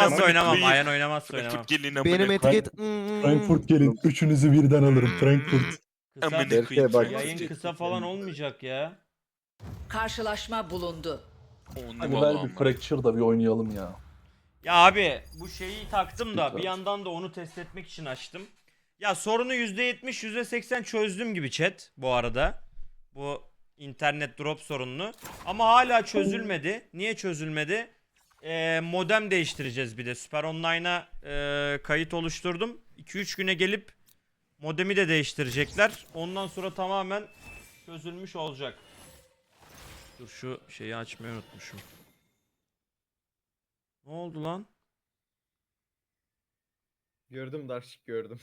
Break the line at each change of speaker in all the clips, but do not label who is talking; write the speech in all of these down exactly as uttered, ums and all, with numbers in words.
oynamazsa oynamam.
Aynen.
Aynen oynamazsa oynamam.
Frankfurt gelin amına
Benim
koyayım.
etiket... Hmm.
Frankfurt gelin. Üçünüzü birden alırım. Frankfurt.
Kısa,
Amına
Berke
koyayım.
bak.
yayın kısa falan olmayacak ya.
Karşılaşma bulundu.
On
Hadi
numara
ver bir
amına.
Fracture da bir oynayalım ya.
Ya abi bu şeyi taktım da
Lütfen.
bir yandan da onu test etmek için açtım. Ya sorunu yüzde yetmiş yüzde seksen çözdüm gibi chat bu arada. Bu internet drop sorununu. Ama hala çözülmedi. Niye çözülmedi? Ee, modem değiştireceğiz bir de. Süper Online'a e, kayıt oluşturdum. iki üç güne gelip modemi de değiştirecekler. Ondan sonra tamamen çözülmüş olacak. Dur şu şeyi açmayı unutmuşum. Ne oldu lan?
Gördüm Darşik gördüm.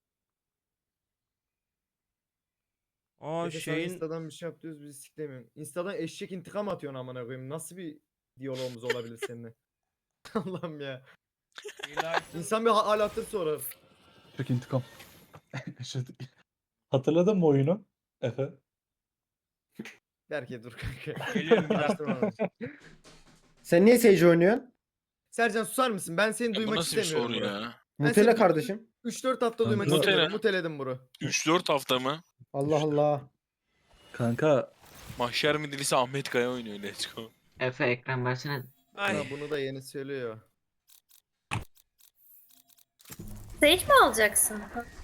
Aa
Efe sana
şeyin
Insta'dan bir şey yapıyoruz bizi siklemiyorsun. Insta'dan eşek intikam atıyorsun amına koyayım. Nasıl bir diyalogumuz olabilir seninle? Allah'ım ya. İnsan bir hal hatır sorar.
Çok intikam. Eşit- Hatırladın mı oyunu? Efe.
Berke dur kanka.
Geliyorum bir dakika.
Araştırma lazım.
Sen niye Sage oynuyorsun?
Sercan susar mısın? Ben seni
Ya bu
duymak
nasıl bir
istemiyorum.
soru
bro.
ya?
Ben
Mutele
seni
kardeşim.
üç dört hafta duymak
Kanka.
istemiyorum.
Mutele.
Muteledim bro.
üç dört hafta mı?
Allah Allah.
Kanka
Mahşer midilisi Ahmet Kaya oynuyor. Let's go.
Efe ekran versene.
Ay.
Ha, bunu da yeni söylüyor.
Sage mi alacaksın?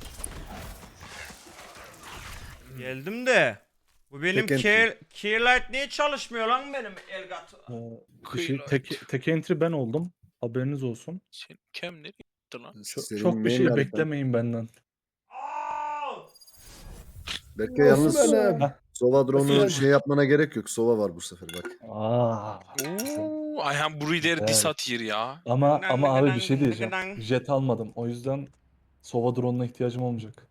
Geldim de. Bu benim
Tek
Key- Keylight niye çalışmıyor lan benim Elgato?
e, bir şey, tek, tek entry ben oldum. Haberiniz olsun.
Sen kem nereye gitti lan?
Çok,
Senin
çok bir
main
şey
harita.
beklemeyin benden.
Aa!
Berke yalnız
benim?
Sova drone'u
Nasıl
şey yapmana gerek yok. Sova var bu sefer bak.
Aa.
Oo, I am breeder
Evet.
this at here ya.
Ama ama abi bir şey
Gıdan,
diyeceğim.
gıdan.
Jet almadım. O yüzden Sova drone'una ihtiyacım olmayacak.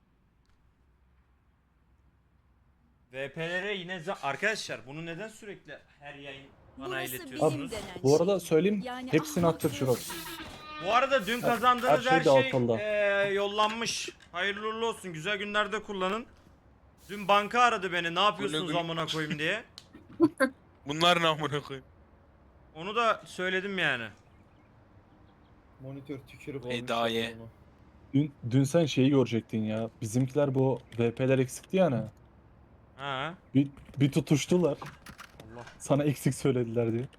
V P'lere yine za- arkadaşlar bunu neden sürekli her yayın bana
Burası
iletiyorsunuz?
bizim denen
Bu arada
şey.
söyleyeyim.
Yani
Hepsini
ahmak
attır Şurak.
Bu arada dün
Her-
kazandığınız
her
her
şey de
şey,
altında.
eee, yollanmış. Hayırlı uğurlu olsun. Güzel günlerde kullanın. Dün banka aradı beni. Ne yapıyorsunuz
Öyle gün-
amına koyayım diye.
Bunlar ne amına koyayım?
Onu da söyledim yani.
Monitör tükürük olmuş.
Edaye.
ya bunu.
Dün, dün sen şeyi görecektin ya. Bizimkiler bu V P'ler eksikti ya hani.
Ha.
Bir, bir tutuştular.
Allah.
Sana eksik söylediler diye.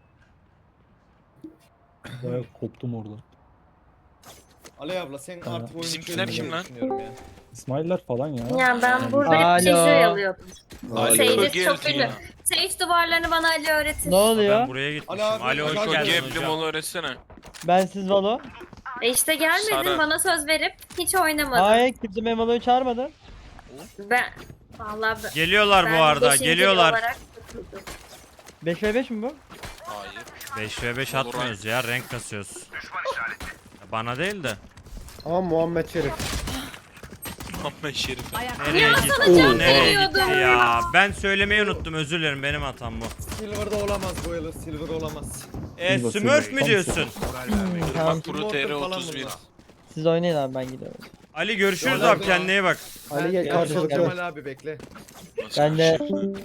Bayağı koptum orada.
Ali abla sen
Ha.
artık oyunu
Bizimkiler
çözdün
kim
diye
lan?
düşünüyorum ya.
İsmail'ler falan ya.
Ya ben
Yani-
burada hep
Alo.
Sage'i alıyordum.
Ali
Sage'i
Bölge
çok
yatıyor.
ünlü. Sage duvarlarını bana Ali öğretir.
Ne oluyor?
Ben buraya gitmişim.
Ali abi,
Ali hoş
Ali
Çok
geldin
geldin
geblim
hocam.
onu öğretsene.
Ben siz Valo.
E işte gelmedin
Sara.
bana söz verip hiç oynamadın.
Hayır kimse benim Valo'yu çağırmadı.
Ben vallahi ben,
Geliyorlar
ben
bu arada.
beşinci
Geliyorlar.
olarak tutuldum.
beş ve beş mi bu?
Hayır.
beş ve beş
Olur
atmıyoruz ya. Renk kasıyoruz. Ya bana değil de.
Ama Muhammed Şerif.
Ahmet Şerif.
Ayakta
Nereye gitti?
can
Nereye gitti
veriyordum.
ya? Ben söylemeyi unuttum. Özür dilerim. Benim hatam bu.
Silver'da olamaz bu yıl. Silver olamaz.
E,
Silver,
Smurf
Silver,
mü
tam
diyorsun?
Hmm, tamam.
Bak Pro T R otuz bir.
Siz oynayın abi ben gidiyorum.
Ali görüşürüz
Yok,
abi.
yok.
Kendine iyi bak.
Ali gel
Ben-
karşılıklı.
Kemal abi bekle.
Nasıl
Ben de
bir şey?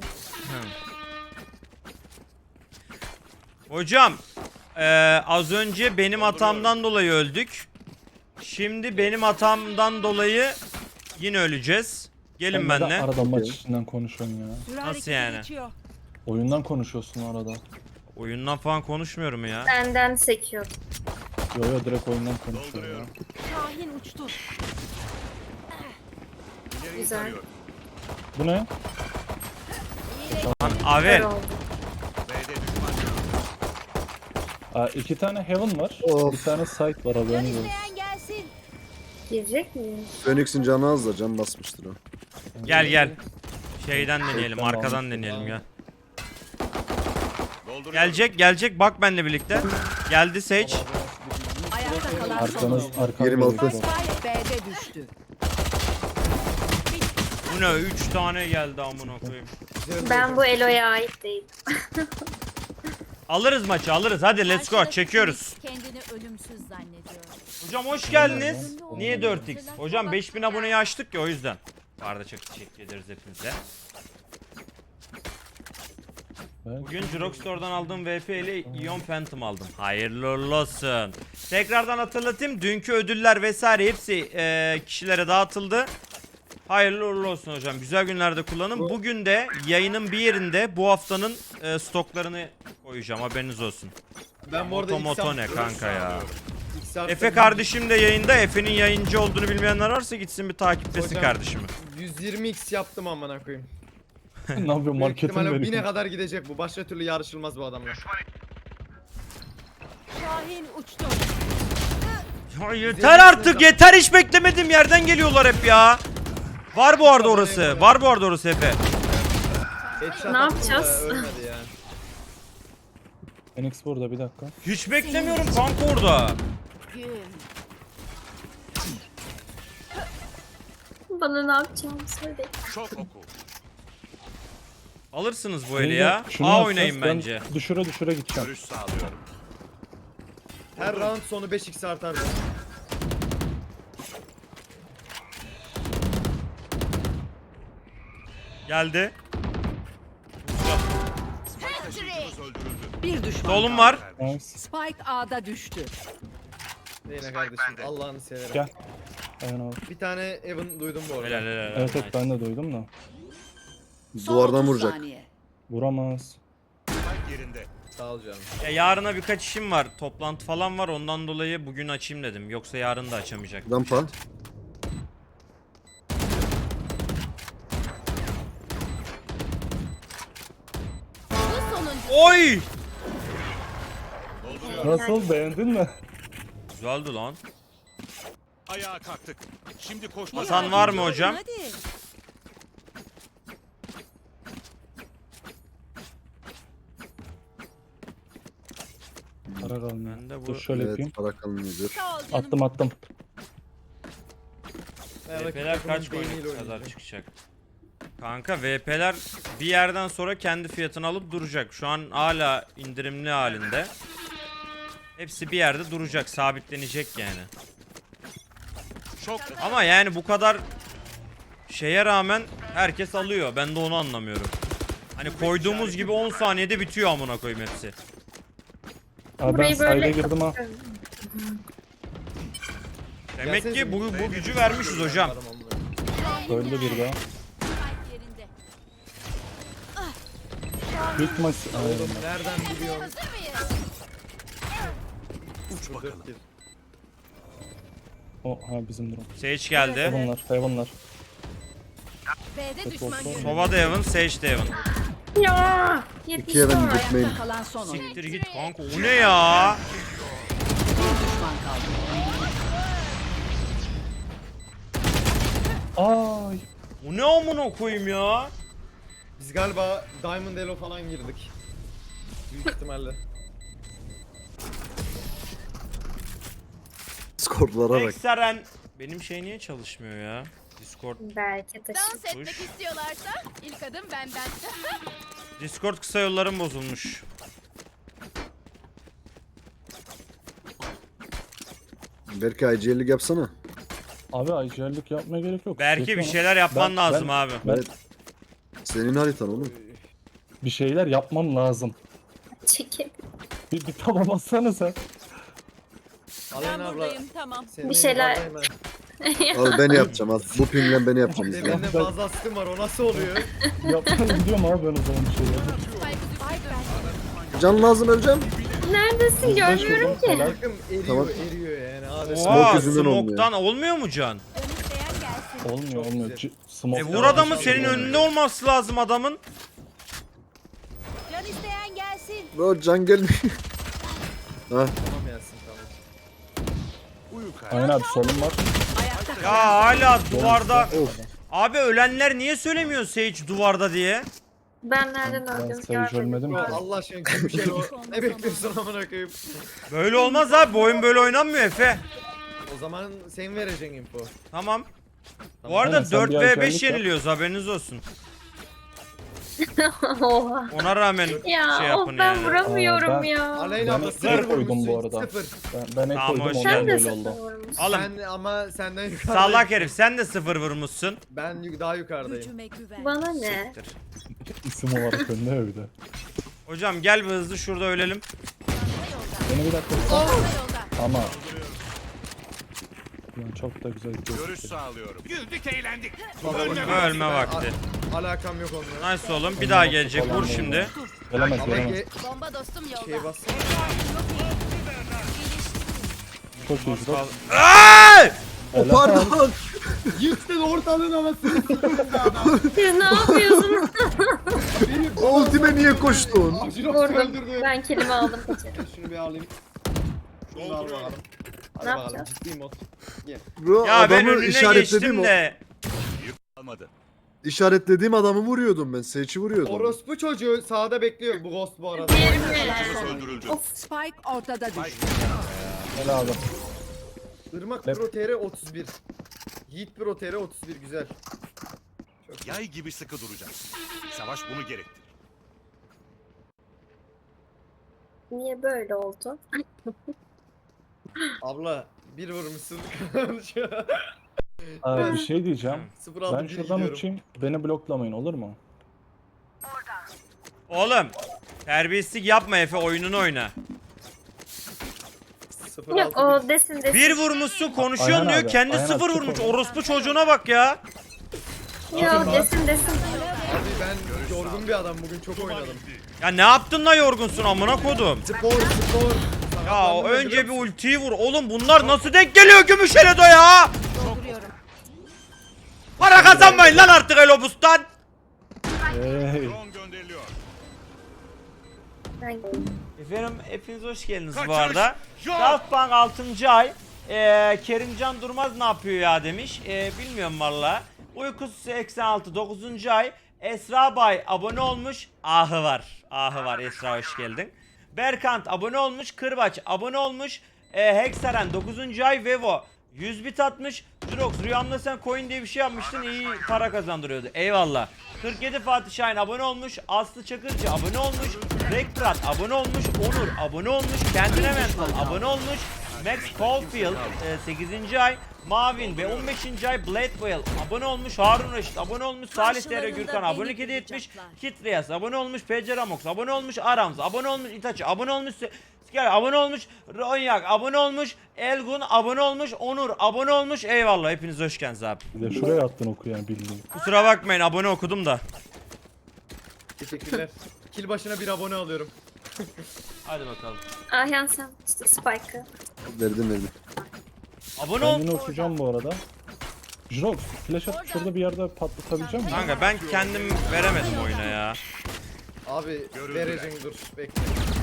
Hocam. e, az önce benim hatamdan dolayı öldük. Şimdi benim hatamdan dolayı yine öleceğiz. Gelin
Sen neden
benimle.
arada maç içinden konuşuyorsun ya.
süre
Nasıl
harekete
yani?
geçiyor.
Oyundan konuşuyorsun arada.
Oyundan falan konuşmuyorum ya.
Benden sekiyordum.
Yo yo direkt oyundan konuşuyor ya.
Şahin uçtu.
Güzel.
Bu ne?
Lan
Kör
Avel.
oldu.
Aa, iki tane Heaven var.
Of.
Bir tane Site var haberiniz olsun.
İsteyen gelsin.
Girecek miyim?
Phoenix'in canı az da can basmıştır o.
Gel gel. Şeyden deneyelim.
Tamam.
Arkadan deneyelim ya. Gelecek gelecek. Bak benimle birlikte. Geldi Sage.
Ayakta kalan son
Arkanız
oyuncu.
arkanız
Yerim altı.
gerekiyor.
Spike B'de düştü.
Bu ne? üç tane geldi amına koyayım.
Ben bu Elo'ya ait değilim.
Alırız maçı alırız. Hadi let's go. Çekiyoruz.
Kendini ölümsüz zannediyor.
Hocam hoş geldiniz. Niye dört x? Hocam beş bin aboneyi açtık ya o yüzden. Bu arada çok teşekkür ederiz hepinize.
Evet.
Bugün Jirok Store'dan aldığım V P ile Ion Phantom aldım. Hayırlı uğurlu olsun. Tekrardan hatırlatayım. Dünkü ödüller vesaire hepsi e, kişilere dağıtıldı. Hayırlı uğurlu olsun hocam. Güzel günlerde kullanın. Bugün de yayının bir yerinde bu haftanın e, stoklarını koyacağım. Haberiniz olsun.
Ben bu arada
Moto
ilk
moto ne
hafta-
kanka ya.
ilk hafta
Efe kardeşim de yayında. Efe'nin yayıncı olduğunu bilmeyenler varsa gitsin bir takiplesin
Hocam,
kardeşimi.
yüz yirmi x yaptım amına koyayım.
Ne yapıyor
Büyük
marketin
ihtimalle bine
veriyor.
kadar gidecek bu. Başka türlü yarışılmaz bu adamla.
Şahin uçtu.
Ya yeter artık, yeter, hiç beklemedim yerden geliyorlar hep ya. Var bu arada orası. Var bu arada orası Efe.
Headshot
Ne
attım da
yapacağız?
Ölmedi ya.
Phoenix burada bir dakika.
Hiç beklemiyorum kanka orada.
Gül.
Bana ne yapacağımı söyle.
Alırsınız bu eli ya.
Şunu
A
yapacağız,
oynayın
ben
bence.
Düşüre düşüre gideceğim.
Her round sonu beş x artar.
Geldi.
Bir düşman
Solum
kaldı.
var.
Nice.
Spike A'da düştü.
Yine kardeşim Allah'ını severem.
Gel. Aynen abi.
Bir tane Evan duydum bu arada.
Helal helal.
Evet evet
Nice.
ben de duydum da.
Son
Duvardan
otuz
vuracak.
saniye.
Vuramaz.
Sağ ol canım.
Ya yarına birkaç işim var. Toplantı falan var. Ondan dolayı bugün açayım dedim. Yoksa yarın da açamayacak.
Rampa.
Bu sonuncu.
Oy!
Nasıl, beğendin mi?
Güzeldi lan.
Ayağa kalktık. Şimdi koşma.
Hasan var mı hocam?
Hadi.
Para kalmıyor.
Ben de bu
Dur şöyle yapayım.
Evet para kalmıyordur.
Sağ ol canım.
Attım attım.
Ben
V P'ler
rakip
kaç
takımın beyniyle
coin kadar
oynayacağım.
çıkacak? Kanka V P'ler bir yerden sonra kendi fiyatını alıp duracak. Şu an hala indirimli halinde. Hepsi bir yerde duracak, sabitlenecek yani.
Şok.
Ama yani bu kadar şeye rağmen herkes alıyor. Ben de onu anlamıyorum. Hani koyduğumuz gibi on saniyede bitiyor amına koyayım hepsi.
Abi ben
Burayı
sayda
böyle
girdim ha.
Demek
Gelsenize
ki bu,
bir-
bu gücü vermişiz hocam.
Adam amına.
Öldü bir daha.
Spike yerinde.
Büyük ihtimal... Aynen.
Oğlum nereden biliyorsun?
Hazır mıyız?
Uç bakalım.
Dört kill.
O ha bizim durum.
Sage geldi.
Heaven'lar, Heaven'lar.
B'de düşman
olsun.
görüldü.
Sova da Heaven, Sage de Heaven.
Ya
İki
yetiştim
Evan
oraya.
gitmeyin.
Ayakta kalan son oyun.
Siktir git kanka, o ne ya?
Bir düşman kaldı.
Ay.
O ne amına koyayım ya?
Biz galiba Diamond Elo falan girdik. Büyük ihtimalle.
Skorlara bak.
Ekseren. Benim şey niye çalışmıyor ya? Discord.
Belki taşı.
Dans etmek
Tuş.
istiyorlarsa ilk adım benden.
Discord kısa yollarım bozulmuş.
Belki I G L'lik yapsana.
Abi ayrıcalık yapmaya gerek yok.
Belki bir
Yapma.
şeyler yapman
Ben-
lazım
ben-
abi.
Ben
Evet. Senin haritan oğlum.
bir şeyler yapmam lazım.
Çekil.
Bir, bir tamam atsana sen.
Aleyna abla.
tamam.
senin
Bir şeyler-
elinde
Al ben yapacağım al. Bu pingle beni yapacağım izle.
Elinde fazla askım var o nasıl oluyor?
Yapmaya gidiyorum abi ben o zaman bir şeyler.
Can lazım öleceğim.
Neredesin? Görmüyorum ki.
Helal.
Takım eriyor
Tamam.
eriyor yani abi.
Smoke
Oha,
yüzünden olmuyor.
smoke'tan olmuyor mu can?
Olmuyor
Çok
olmuyor.
güzel.
C- smoke
E vur
devam
adamı,
ediyor.
senin önünde olması lazım adamın.
Can isteyen gelsin.
Bro can gelmiyor. Ha
Tamam Yasin tamam.
Uyu kardeşim.
Aynen abi solum var.
Ayakta kalan
Ya hala duvarda.
of.
Abi ölenler niye söylemiyor Sage duvarda diye?
Ben nereden
Ben
öldüm
seni görmedim
Bro,
ki.
Allah aşkına kim bir şey o. Ne bekliyorsun amına koyayım?
Böyle olmaz abi, bu oyun böyle oynanmıyor Efe.
O zaman sen vereceksin info.
Tamam. Bu
Tamam.
arada
Aynen, sen
dört
bir
ve beş
aşağılık yap.
yeniliyoruz, haberiniz olsun.
Oha.
Ona rağmen
Ya
şey
of
yapın
ben
yani.
vuramıyorum
Aa, ben-
ya.
Aleyna abla
Ben
sıfır
zırh koydum bu
vurmuşsun,
arada.
Sıfır.
Ben, ben ek
Tamam,
koydum
hoş
ondan
Sen de
böyle
sıfır
oldu.
vurmuşsun.
Oğlum
Sen ama senden yukarıdayım.
salak herif, sen de sıfır vurmuşsun.
Ben yuk- daha yukarıdayım.
gücüme güven.
Bana ne?
Siktir.
İsim olarak önde öyle.
Hocam gel bir hızlı şurada ölelim.
Beni bir dakika.
Çanta yolda.
Ama. Ulan çok da güzel gidiyor.
Görüş sağlıyorum. Güldük eğlendik.
Baba,
Ölme
bak-
Ölme vakti.
Alakam yok onunla.
Nice oğlum. Bir daha gelecek. Vur şimdi.
Gelemez
Ama
gelemez.
ge-
Bomba dostum yolda.
şey bassana.
Çok iyi gidiyor.
Ay!
O pardon.
Yıktın ortalığın havasını.
Siz ne yapıyorsunuz?
Ultime niye koştun?
Vurdum. Ben kelime aldım kaçırdım.
Şunu bir alayım. Şunu da al bakalım. Hadi
Ne
bakalım
yapacağız?
ciddi mod.
Bro,
Ya ben
adamı
önüne
işaretlediğim
geçtim
o.
de.
Almadı.
İşaretlediğim adamı vuruyordum ben. Sage'i vuruyordum.
Orospu çocuğu sağda bekliyor bu ghost bu arada.
Yirmi.
Öldürüldü.
Of.
Spike ortada düştü.
Helal adam.
Irmak
Lep.
Pro T R otuz bir. Yiğit Pro T R otuz bir güzel.
Yay gibi sıkı duracağız. Savaş bunu gerektirir.
Niye böyle oldu?
Abla bir vurmuşsun.
Aa, bir şey diyeceğim.
sıfır altı
Ben
bir
şuradan
gidiyorum.
uçayım. Beni bloklamayın olur mu?
Oğlum. Terbiyesizlik yapma Efe. Oyununu oyna.
sıfır
Yok
altı
o desin desin.
Bir vurmuşsun konuşuyorsun
Ayhan
diyor.
abi,
Kendi
Ayhan
sıfır
abi,
vurmuş.
çık
Orospu çocuğuna bak ya.
Yok desin desin.
Abi ben yorgun bir adam bugün çok oynadım.
Ya ne yaptın da yorgunsun amına kodum.
Spor spor.
Ya o önce bir ultiyi vur. Oğlum bunlar nasıl denk geliyor Gümüşhele'de ya?
Dolduruyorum.
Para kazanmayın lan artık Elobus'tan.
Hey.
Drone gönderiliyor.
Ben
Efendim hepiniz hoş geldiniz bu
Kaçış
arada.
yok.
Daft Punk altıncı ay. Ee, Kerimcan Durmaz ne yapıyor ya demiş. Ee, bilmiyorum valla. Uykusu seksen altı dokuzuncu ay. Esra Bay abone olmuş. Ahı var. Ahı var Esra hoş geldin. Berkant abone olmuş. Kırbaç abone olmuş. Ee, Hexaren dokuzuncu ay. Vevo yüz bit atmış. Jurox rüyamda sen coin diye bir şey yapmıştın. İyi para kazandırıyordu. Eyvallah. kırk yedi Fatih Şahin abone olmuş. Aslı Çakırcı abone olmuş. Rekprat abone olmuş. Onur abone olmuş. Kendine Mental abone olmuş. Max Caulfield e, sekizinci ay. Mavin ve on beşinci ay. Bladewell abone olmuş. Harun Reşit abone olmuş. Salih Tere Gürkan abonelik hediye etmiş. Kitriyas abone olmuş. P C Ramox abone olmuş. Arams abone olmuş. Itachi abone olmuş. Skyer abone olmuş. Ronyak abone olmuş. Elgun abone olmuş. Onur abone olmuş. Eyvallah hepiniz hoş geldiniz abi.
Bir de şuraya attın oku yani bildiğin.
Kusura bakmayın abone okudum da.
Teşekkürler. Kill başına bir abone alıyorum.
Hadi bakalım.
Ahyan sen işte Spike'ı.
Verdim verdim.
Abone
Ben
ol.
yine uçacağım bu arada. Jirox flash atıp şurada bir yerde patlatabileceğim misin?
Kanka ben kendim veremedim oyuna ya.
Abi vereceğim dur bekle.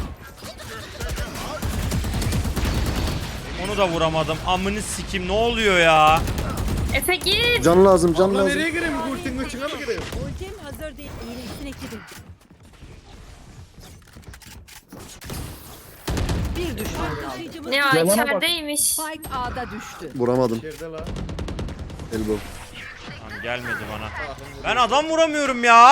Onu da vuramadım. Amını sikim ne oluyor ya?
Efe git.
Can lazım can
Abla
lazım.
nereye gireyim? Ultinin içine mi gireyim?
Ultim hazır değil. İyileşsin ekibim. Bir düşman kaldı.
Ne ya
Yalana bak.
içerideymiş.
Spike A'da düştü.
Vuramadım.
İçeride la.
Elbow.
Tamam gelmedi bana. Ben adam vuramıyorum ya.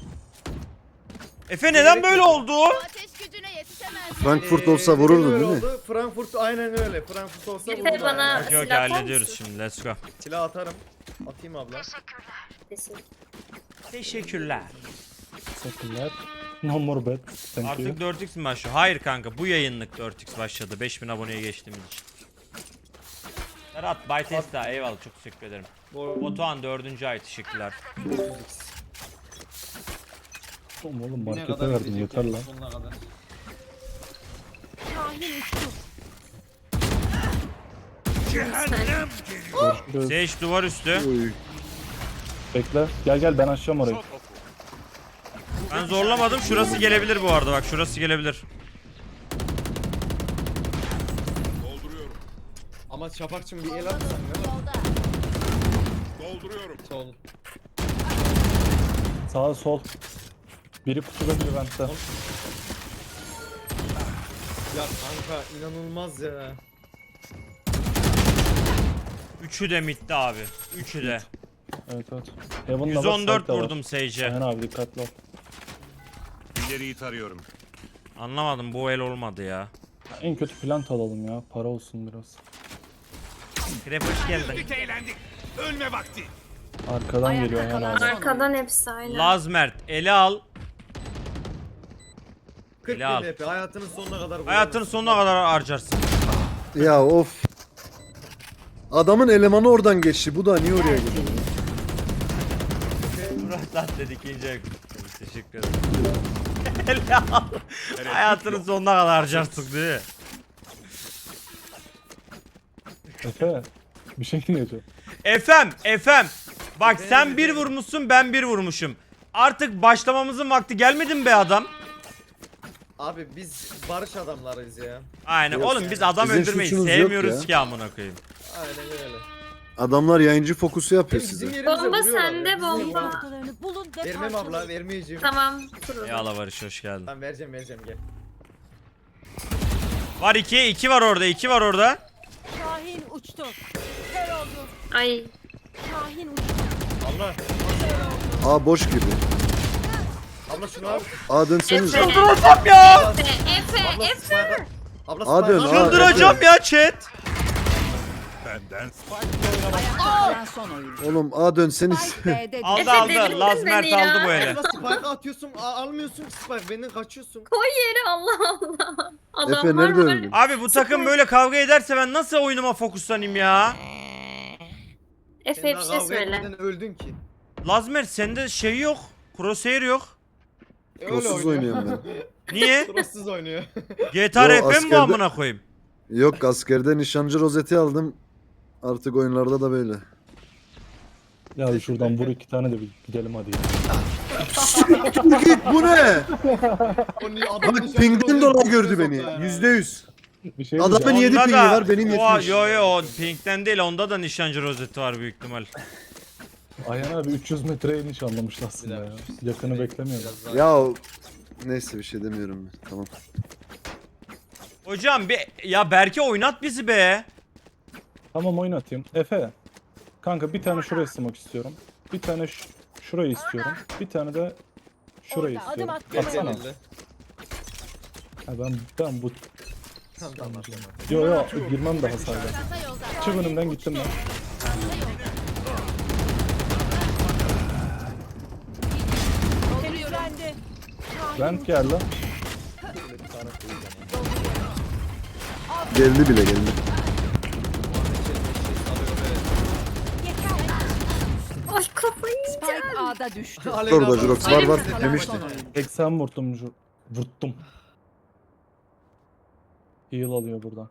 Efe neden böyle oldu?
Ateş gücüne yetişemez.
Frankfurt
Ee,
olsa
neden
vururdun
öyle
değil mi?
oldu? Frankfurt aynen öyle. Frankfurt olsa
Efe
vururdu.
bana-
aynen.
Yok yok
Silah atar
hallediyoruz
mısın?
şimdi let's go.
Silah atarım. Atayım abla.
Teşekkür.
Teşekkürler.
Teşekkürler. No more bet. Thank you.
Artık dört x mi başlıyor? Hayır kanka bu yayınlık dört x başladı. beş bin aboneye geçtiğimiz için. Serhat Bay Testa eyvallah çok teşekkür ederim.
Bu
Batuhan dördüncü ay teşekkürler.
Oğlum oğlum markete verdim yeter lan. Görüşürüz.
Sage duvar üstü.
Oy.
Bekle. Gel gel ben açacağım orayı.
Çok oku.
Ben zorlamadım şurası gelebilir bu arada bak şurası gelebilir.
Dolduruyorum.
ama Şafakçım bir el atsan ne var?
Yolda.
Dolduruyorum.
Sol.
Sağ sol. Biri kutuda biri ventte.
Ya kanka inanılmaz ya.
Üçü de midde abi. Üçü de.
Evet evet. Heaven'da
yüz on dört vurdum Sage'e.
Ayhan abi dikkatli ol.
İleriyi tarıyorum.
Anlamadım bu el olmadı ya.
En kötü plant alalım ya. Para olsun biraz.
Krep hoş geldin.
Güldük eğlendik. Ölme vakti.
Arkadan
Ayakta
geliyor Ayhan
kalan
abi.
son.
Arkadan hepsi aynen.
Lazmert ele al.
kırk
Eli al.
bin V P hayatının sonuna kadar
Hayatının
kullanırsın.
sonuna kadar harcarsın.
Ya of. Adamın elemanı oradan geçti. Bu da niye oraya gidiyor?
Murat lan dedik ikinci ayak. Teşekkür ederim. Helal. Hayatının sonuna kadar harcarsın değil mi?
Efe bir şey diyeceğim.
Efem, Efem. Bak
Efendim,
sen bir
efendim.
vurmuşsun, ben bir vurmuşum. Artık başlamamızın vakti gelmedi mi be adam?
Abi biz barış adamlarıyız ya.
Aynen
Yok
oğlum biz adam
Sizin
öldürmeyi
suçunuz yok
sevmiyoruz
ya.
ki amına koyayım.
Aynen öyle.
Adamlar yayıncı fokusu yapıyor
Bizim
size.
yerimize
Bomba
vuruyorlar
sende,
ya, bizim
bomba.
yerimize-
Noktalarını bulun ve
Vermem abla
parçalayın.
vermeyeceğim.
Tamam. Dur.
Eyvallah Barış hoş geldin.
Tamam vereceğim vereceğim gel.
Var iki, iki var orada, iki var orada.
Şahin uçtu. Kör oldu.
Ay.
Şahin uçtu.
Abla.
Aa boş gibi.
Abla şunu al.
Aa dönseniz.
Efe.
Çıldıracağım ya.
Efe. Efe.
Abla
Efe.
spike'a. Abla
Hadi
spike'a.
lan, hadi.
Çıldıracağım ya chat.
Benden
Kalan son oyuncu.
Oğlum A dönseniz.
Spike B'de düştü.
Aldı
Efe,
aldı.
delirdin
Laz
beni
Mert
ya.
aldı bu ele.
Abla spike'a atıyorsun a- almıyorsun ki spike benden kaçıyorsun.
Koy yere Allah Allah. Adamlar
Efe nerede
böyle-
öldü?
Abi bu takım böyle kavga ederse ben nasıl oyunuma fokuslanayım ya?
Efe
Sen
bir
daha
şey
kavga
söyle.
etmeden öldün ki.
Lazmer sende şey yok. Crosshair yok.
E,
Crosssuz oynuyorum ben.
Niye?
Crosssuz oynuyor.
G T A
Yo,
R P mi bu
askerde-
amına koyayım?
Yok askerde nişancı rozeti aldım. Artık oyunlarda da böyle.
Ya şuradan vur iki tane de bir gidelim hadi ya.
Git bu ne?
O niye- adam
Bak
nişancı
pingden
oluyor,
dolayı
nişancı
gördü beni.
soktu yani.
Yüzde yüz.
Bir şey
Adamın
diyeceğim.
yedi
Onda
pingi
da-
var benim
Oha,
yetmiş.
yo yo o pinkten değil onda da nişancı rozeti var büyük ihtimal.
Ayhan abi üç yüz metreye iniş anlamış aslında ya. Yakını beklemiyorum.
Biraz daha-
Ya neyse bir şey demiyorum ben. Tamam.
Hocam bir ya Berke oynat bizi be.
Tamam oynatayım. Efe. Kanka bir tane şuraya smoke istiyorum. Bir tane ş- şurayı istiyorum. Bir tane de şurayı
Orada,
istiyorum.
adım
Gel,
attım.
gel,
Atsana.
gel.
Ha ben ben bu
Tamam tamam tamam.
yo yo girmem daha hasarlı.
Çanta yolda.
Çık önümden gittim ben.
Temizlendi.
Vent geldi.
Geldi bile geldi.
Ay kafayı
Spike
yiyeceğim.
A'da düştü.
Aleyna
Orada
abla,
Jurox var
Aleyna
var
abla,
demişti.
son oyun.
seksen vurdum. ju- Vurttum. Heal alıyor buradan.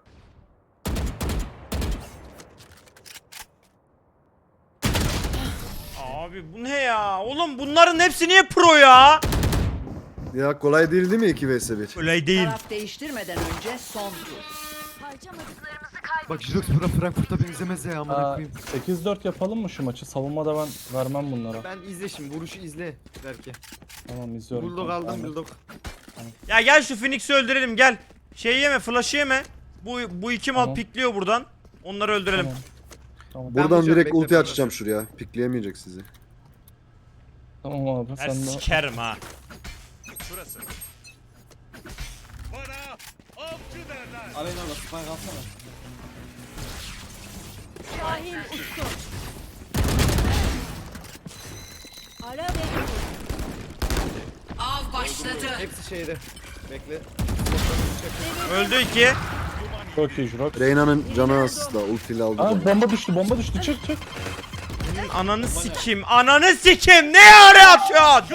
Abi bu ne ya? Oğlum bunların hepsi niye pro ya?
Ya kolay değil değil mi iki vs bir?
Öyle değil.
Taraf değiştirmeden önce son tur.
Bak Jirox bura Frankfurt'a benzemez ya amına
Aa,
koyayım.
sekiz dört yapalım mı şu maçı? Savunmada ben vermem bunlara.
Ben izle şimdi vuruşu izle belki.
Tamam izliyorum.
Bulldog
Tamam,
aldım
aynen.
bulldog.
Ya gel şu Phoenix'i öldürelim gel. Şey yeme flash'ı yeme. Bu bu iki mal
Tamam.
pikliyor buradan. Onları öldürelim.
Tamam. Tamam.
Ben
Buradan
vuracağım,
direkt
bekle,
ulti
ben
açacağım şuraya. Pikleyemeyecek sizi.
Tamam abi
Her
sen de.
sikerim ha.
şurası. Bana avcı derler.
Aleyna abla spike alsana.
Şahin uçtu. Ara ve Av başladı.
Hepsi şeyde. Bekle.
Öldü iki.
Çok iyi Jurox.
Reyna'nın canı az da ultiyle aldı.
Aa
bana.
bomba düştü bomba düştü çık çık.
Ananı sikim. Ananı sikim. Ne ara yapıyorsun?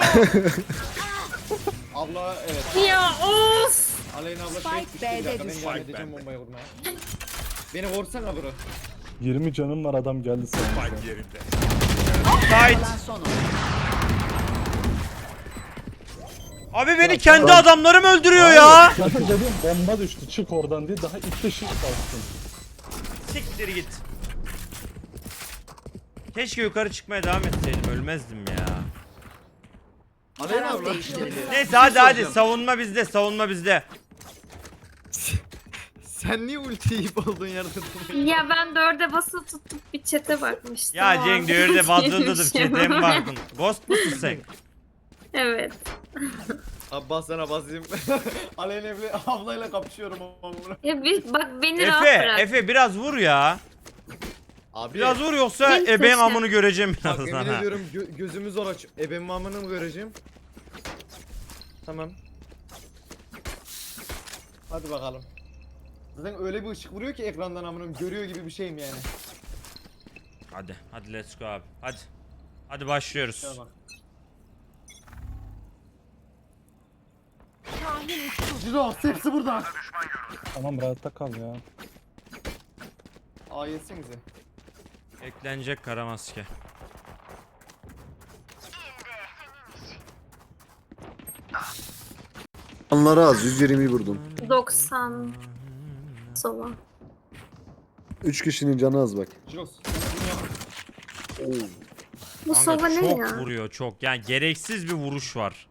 Abla evet.
Ya of.
Aleyna abla
Spike
şey düştü bir
B'de
dakika ben
düştü.
devam edeceğim bombayı vurmaya. Beni vursana bro.
yirmi canım var adam geldi sana.
Spike yerinde.
Tight.
Kalan son oyuncu.
Abi beni kendi adamlarım öldürüyor ya.
Kanka dedim bomba düştü çık oradan diye daha ilk de shift bastım.
Siktir git. Keşke yukarı çıkmaya devam etseydim. Ölmezdim ya.
Aleyna
Taraf
abla.
değiştiriliyor.
Neyse hadi hadi savunma bizde savunma bizde.
Sen niye ulti yiyip olduğun yerde duruyorsun?
Ya ben dörde basılı tutup bir çete bakmıştım.
Ya
O
Cenk
an
diyor öyle bazıladım
değilmiş
çeteye
ya.
mi baktın? Ghost musun sen?
Evet.
Abi bas sana basayım. Aleyna abla, ablayla kapışıyorum ama.
Ya bir, bak beni rahat
Efe,
bırak.
Efe biraz vur ya.
Abi.
Biraz vur yoksa
Benim
ebeğin
taşla.
amını göreceğim
Bak
birazdan
emin
ha.
ediyorum gö- gözümü zor aç. Ebemin amını mı göreceğim? Tamam. Hadi bakalım. Zaten öyle bir ışık vuruyor ki ekrandan amınım görüyor gibi bir şeyim yani.
Hadi hadi let's go abi. Hadi. Hadi başlıyoruz.
Şuna bak.
Şahin uçtu.
Jirox hepsi burada.
Tamam rahatta kal ya.
Aa yetsenize.
Eklenecek kara maske.
Anları az. yüz yirmiyi vurdum.
doksan. Sova.
üç kişinin canı az bak.
Jirox.
Bu
Kanka
sova ne
çok
ya?
vuruyor çok. Yani gereksiz bir vuruş var.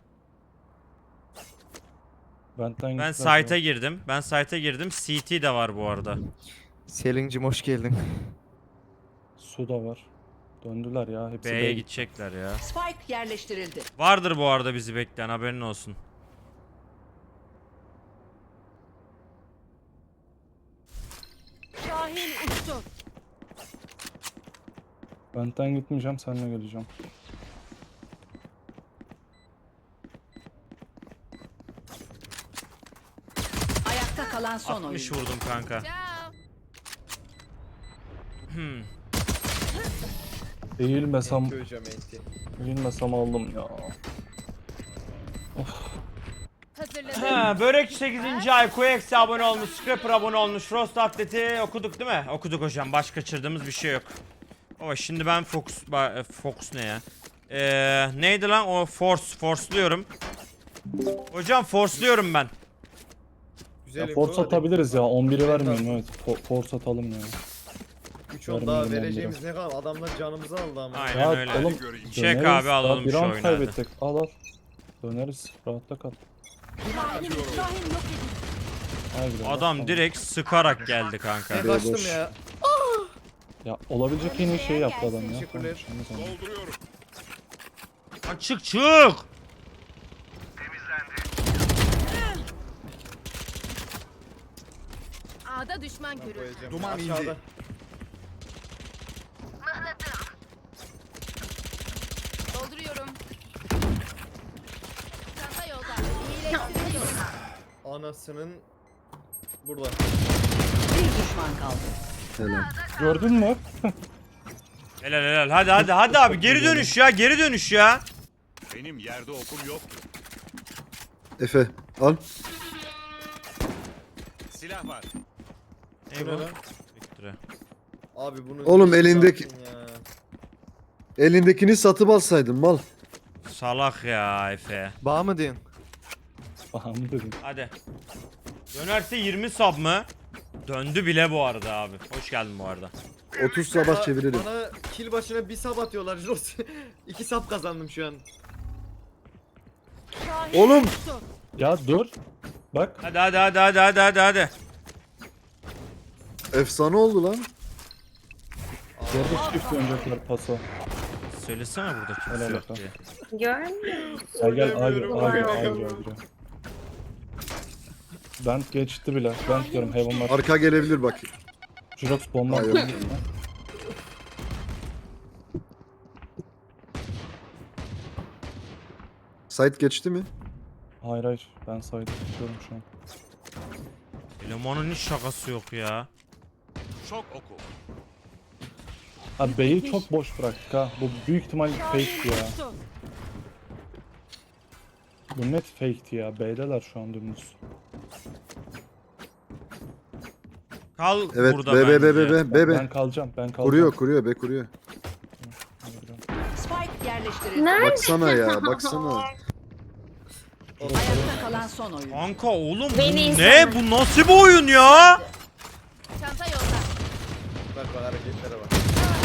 Benden
Ben
gittiler
site'a
ya.
girdim. Ben site'a girdim. C T de var bu arada.
Selin'cim hoş geldin.
Su da var. Döndüler ya. Hepsi
B'ye
B'ye
gidecekler ya.
Spike yerleştirildi.
Vardır bu arada bizi bekleyen, haberin olsun.
Şahin uçtu.
Benden gitmeyeceğim, seninle geleceğim.
Ayakta kalan son
altmış
oyuncu.
vurdum kanka. Hmm.
Eğilmesem,
Köyeceğim enti.
eğilmesem aldım ya.
Ha, Börekçi sekizinci ay, Quex'e abone olmuş, Scrapper abone olmuş, Frost Atlet'i okuduk değil mi? Okuduk hocam, başka kaçırdığımız bir şey yok. Ama şimdi ben Fox, ba- e, Fox ne ya? Ee, neydi lan o Force, Force'luyorum. Hocam Force'luyorum ben.
Güzel
Ya
info,
force
hadi.
atabiliriz ya. on biri vermeyin, evet. Fo- force atalım ya.
üç on daha
Vermeyelim
vereceğimiz ne kadar adamlar canımızı aldı ama.
Aynen
Ya
öyle.
oğlum,
Çek
döneriz.
abi,
Daha
alalım
bir
şu
round
oyunu hadi.
kaybettik. Al al. Döneriz. Rahatta kal.
Şahin, Şahin yok edildi.
Haydi be,
Adam
tamam.
direkt sıkarak geldi kanka.
Ben kaçtım
boş.
ya.
Ya olabilecek en iyi şeyi yaptı adam ya.
Teşekkürler.
Tamam, şimdi sen-
Dolduruyorum.
Lan çık çık.
A'da düşman görüldü.
Koyacağım.
Duman indi.
Aşağıda.
Dolduruyorum. Çanta yolda. İyileştiriliyor.
Anasının burada.
Bir düşman kaldı.
Helal.
Gördün mü?
Helal helal, hadi hadi hadi abi, geri dönüş ya, geri dönüş ya.
Benim yerde okum yoktu.
Efe al.
Silah var.
Ne
Bu ne
bu?
lan?
Victory.
Abi bunu
Oğlum,
bir şey
elindeki-
yaptın ya.
Elindekini satıp alsaydın mal.
Salak ya Efe.
Bağ mı diyorsun?
Aha dedim.
Hadi. Dönerse yirmi sub mı? Döndü bile bu arada abi. Hoş geldin bu arada.
otuz sabah çeviririm.
Bana kill başına bir sap atıyorlar Jirox. iki sap kazandım şu an.
Şahin
Oğlum.
uçtu.
Ya dur. Bak.
Hadi hadi hadi hadi hadi hadi hadi.
Efsane oldu lan.
Yerde çift oynayacaklar paso.
Söylesene burada kimse
Helal
yok
olsun.
diye.
Görmüyor musun?
Gel gel abi
Oynamıyorum.
abi abi abi. Ben geçti bile. Ben diyorum Heaven var.
Arka gelebilir bak.
Jirox bomba
Hayır.
atıyor.
Site geçti mi?
Hayır hayır. Ben saydı tutuyorum şu an.
Elemanın hiç şakası yok ya.
Şok oku.
Abi B'yi çok boş bıraktık ha. Bu büyük ihtimal fake
Şahin
ya.
uçtu.
Bu net fake'ti ya. B'deler şu an dümdüz.
Kal
Evet.
burada
B B B
bence.
B B B
Ben
B.
kalacağım. Ben kalacağım.
Kuruyor kuruyor be kuruyor.
Spike yerleştirildi.
Nerede?
Baksana ya baksana.
Ayakta kalan son oyuncu.
Kanka oğlum bu
Beni
ne?
insana.
Bu nasıl bir oyun ya?
Çanta yolda.
Bak bak hareketlere bak.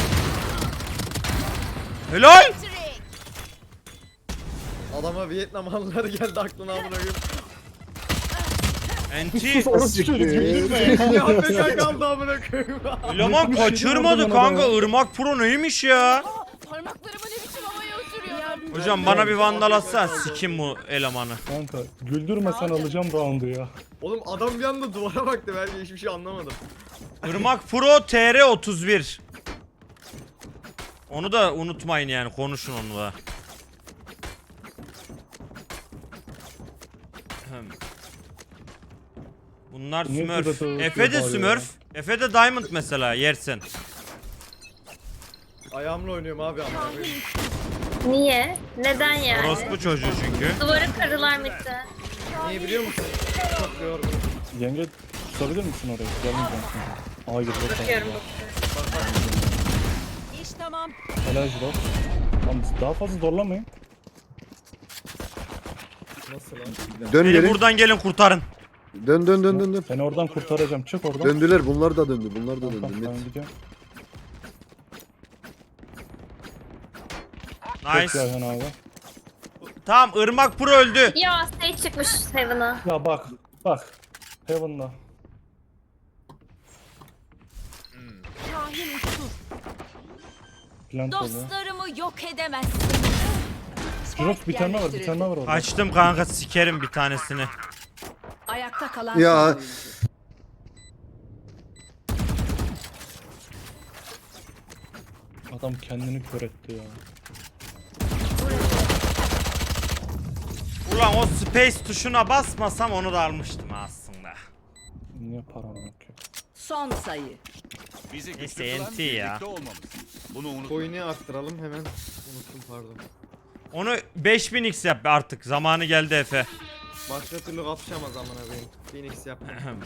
Helal.
Adama Vietnamlılar geldi aklına amına koyayım.
Enti.
Ya Afrika kaldı amına koyayım.
Eleman kaçırmadı kanka. Irmak Pro neymiş ya?
Parmaklarımı ne biçim havaya uçuruyor.
Hocam bana bir vandal atsana, sikim bu elemanı.
Kanka güldürmesen alacağım roundu ya.
Oğlum adam bir anda duvara baktı, ben hiçbir şey anlamadım.
Irmak Pro T R otuz bir. Onu da unutmayın yani, konuşun onu da. Ahem. Bunlar
Niye
Smurf.
burada
Efe de
bağırıyor
Smurf. Efe de Diamond mesela yersin.
Ayağımla oynuyorum abi amına koyayım.
Niye? Neden yani?
Orospu çocuğu çünkü.
Duvarı kırdılar mitte.
Niye biliyor musun? Çok yorgun.
Yenge tutabilir misin orayı? Gelmeyeceğim şimdi. Aa girdi.
Bakıyorum.
İş tamam.
Helal Jirok. Tamam daha fazla zorlamayın.
Nasıl lan?
Dön
Beni
geri.
buradan gelin kurtarın.
Dön dön dön dön dön.
Seni oradan kurtaracağım. Çık oradan.
Döndüler bunlar da döndü. Bunlar da
Tamam,
döndü.
ben
Net.
gidiyorum.
Nice.
Çok Ayhan abi.
Tamam Irmak Pro öldü.
Ya Sage çıkmış Heaven'a.
Ya bak. Bak. Heaven'da.
Şahin uçtu.
Plant oluyor.
Dostlarımı yok edemezsin.
Jirok bir tane var. Bir tane var orada.
Kaçtım kanka sikerim bir tanesini.
Ayakta kalan
Ya.
son oyuncu.
Adam kendini kör etti ya.
Ulan o space tuşuna basmasam onu da almıştım aslında.
Niye param yok ya?
Son sayı.
Bizi
Neyse,
güçlü kılan
N T ya.
birlikte olmamız. Bunu unutma.
Coin'i arttıralım hemen. Unuttum pardon.
Onu beş bin x yap artık. Zamanı geldi Efe.
Başka türlü kapışamaz amına koyayım. Phoenix yapma.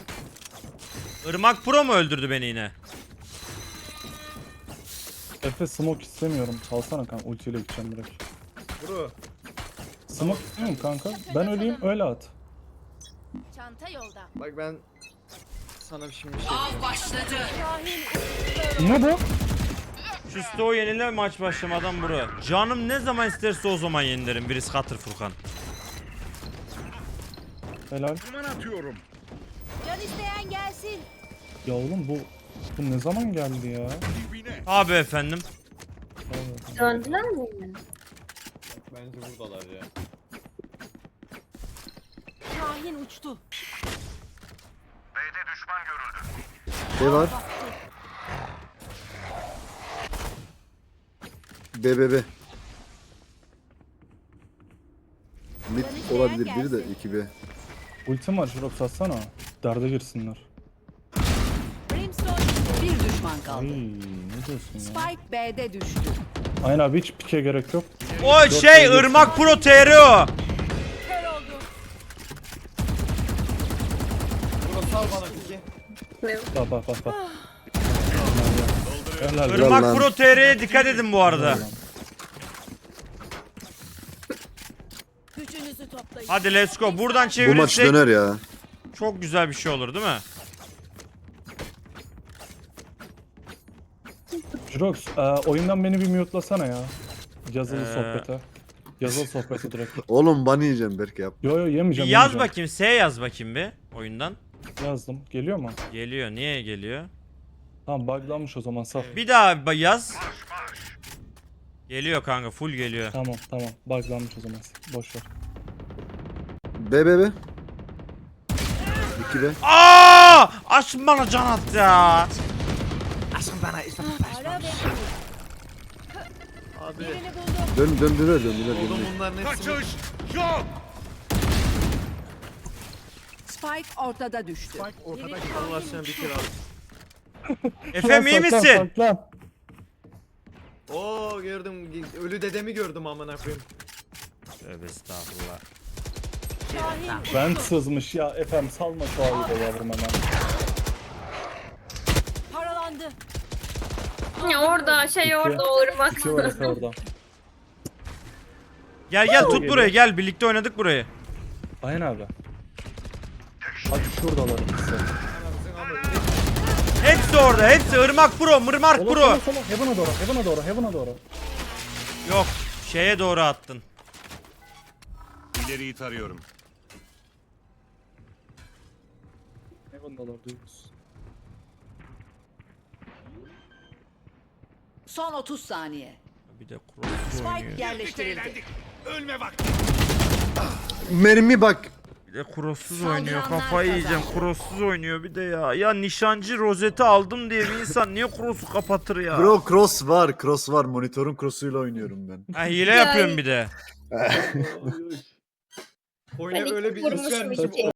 Irmak Pro mu öldürdü beni yine?
Efe smoke istemiyorum. Salsana kanka. Ultiyle gideceğim direkt.
Bro.
Smoke istemiyorum kanka. Ben öleyim öyle at.
Çanta yolda.
Bak ben sana bir şimdi bir şey diyeceğim.
Başladı.
Ne bu?
Şu stoğu yenile maç başlamadan bro. Canım ne zaman isterse o zaman yenilerim. Birisi katır Furkan.
Helal.
Aman atıyorum.
Can isteyen gelsin.
Ya oğlum bu bu ne zaman geldi ya?
Dibine.
Abi efendim.
Vallahi.
Döndüler mi?
Bence buradalar ya.
Şahin uçtu.
B var. B B B. Mid olabilir biri de iki B.
Ultim var Jirok satsana. Derde girsinler.
Brimstone bir düşman
Ay
kaldı.
ne diyorsun ya?
Spike B'de düştü.
Aynen abi hiç pike gerek yok.
O şey Irmak Pro T R o.
Kör oldu.
Bro sal bana peki.
Bak bak bak bak. Helal. helal.
Irmak
lan.
Pro T R'ye dikkat edin bu arada.
Helal lan.
Gücünüzü toplayın.
Hadi let's go. Buradan
Bu maç
çevirirsek
döner ya.
çok güzel bir şey olur değil mi?
Jirox e, oyundan beni bir mute'lasana ya. Yazılı
Ee.
sohbete. Yazılı sohbete direkt.
Oğlum ban yiyeceğim belki yap.
Yo yo
Bir
yemeyeceğim.
yaz
yemeyeceğim.
bakayım. S yaz bakayım bir oyundan.
Yazdım. Geliyor mu?
Geliyor. Niye geliyor?
Tamam buglanmış o zaman saf.
Bir daha ba- yaz. Geliyor kanka. Full geliyor.
Tamam tamam buglanmış o zaman. Boş ver.
B B B. iki B.
Aa! Aşkım bana can at ya.
Ara ve
Abi
birini buldum.
Dön döndüler döndüler
oğlum
döndüler.
bunların hepsi
Kaçış yok.
Spike ortada düştü.
ortada Allah aşkına bir kere al.
Efem iyi
Saklan,
misin?
saklan.
Oo gördüm ölü dedemi gördüm amına koyayım.
Tövbe estağfurullah.
Şahin
Ben sızmış ya efendim salma şu ayı da yavrum hemen.
paralandı.
Ya orada şey
İki.
orada olur bak.
İki var Efe orada.
Gel gel tut
Geliyor.
burayı gel. Birlikte oynadık burayı.
Aynen abi. Hadi şuradalar ikisi.
Anamızın amı.
Hepsi orada. Hepsi Irmak Pro, Mırmark
Sola
Pro.
sola sola. Heaven'a doğru, Heaven'a doğru, Heaven'a doğru.
Yok. Şeye doğru attın.
İleriyi tarıyorum.
Heaven'a doğru duyuyoruz.
Son otuz saniye.
Bir de cross
Spike
oynuyor.
yerleştirildi.
Ölme bak.
Mermi bak.
Bir de crosssuz
Saldıranlar
oynuyor. Kafayı yiyeceğim.
kazandı.
Crosssuz oynuyor bir de ya. Ya nişancı rozeti aldım diye bir insan niye cross'u kapatır ya?
Bro cross var cross var. Monitörün cross'uyla oynuyorum ben.
Ha, hile yapıyorum bir de.
Coin'e
Ben
böyle
iki
bir iş
vurmuşum
vermişim.
iki.